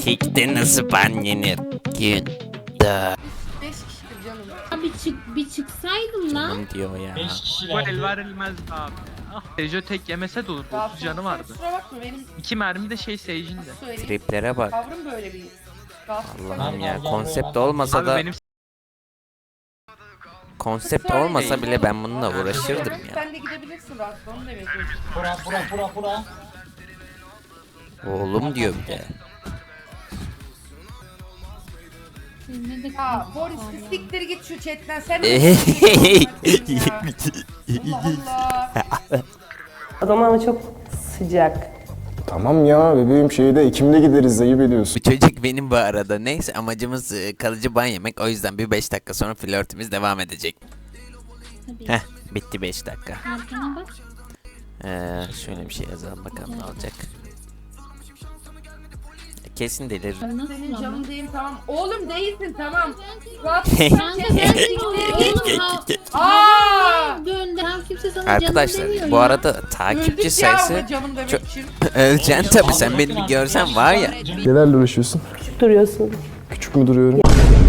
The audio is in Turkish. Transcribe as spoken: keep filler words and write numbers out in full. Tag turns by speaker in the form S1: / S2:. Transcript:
S1: Kekte nasıl ban yenir? Gün. Da.
S2: beş kişidir canım.
S3: Bir çık bir çıksaydım lan.
S1: Canım diyor ya.
S4: beş kişi
S5: Bu el
S4: verdi.
S5: verilmez abi. Ah, Sejo tek yemese de olur.
S2: Daha
S5: otuz canı vardı.
S2: Kusura bakma benim
S5: İki mermi de şey Sage'in de.
S2: söyleyeyim.
S1: Triplere bak.
S2: Tavrım böyle bir. Rahatsız
S1: Allah'ım ya,
S4: Allah
S1: konsept
S4: Allah.
S1: olmasa
S5: Abi
S1: da
S5: benim
S1: konsept olmasa bile ben bununla uğraşırdım ya.
S2: Sen de gidebilirsin rahatsız onu demek istiyorum.
S4: Bura bura bura bura.
S1: Oğlum diyor bir de.
S3: Ne de
S2: Ya Boris bir siktir git şu chatten sen. Allah Allah.
S6: Adam ama çok sıcak.
S7: Tamam ya bebeğim şeyde Ekim'de gideriz ayıp ediyorsun.
S1: Bu çocuk benim bu arada. Neyse, amacımız e, kalıcı ban yemek. O yüzden bir beş dakika sonra flörtümüz devam edecek.
S3: tabii.
S1: Heh, bitti beş dakika.
S3: Arkana bak.
S1: Ee, şöyle bir şey yazalım bakalım ne olacak. Kesin delir.
S3: Nasıl
S2: Senin
S3: ama?
S2: canın değil tamam. Oğlum değilsin tamam. Rahat
S3: Kanka ben diyorum oğlum ha.
S2: Aaa.
S3: Gönder. Tam kimse sana canım
S1: Arkadaşlar
S3: demiyor
S1: bu
S3: ya.
S1: arada takipçi
S2: Öldük ya
S1: sayısı
S2: ama canım demek
S1: çok-
S2: için.
S1: öleceksin tabi, sen beni bir görsen var ya.
S7: Nelerle uğraşıyorsun?
S6: Küçük duruyorsun.
S7: Küçük mü duruyorum?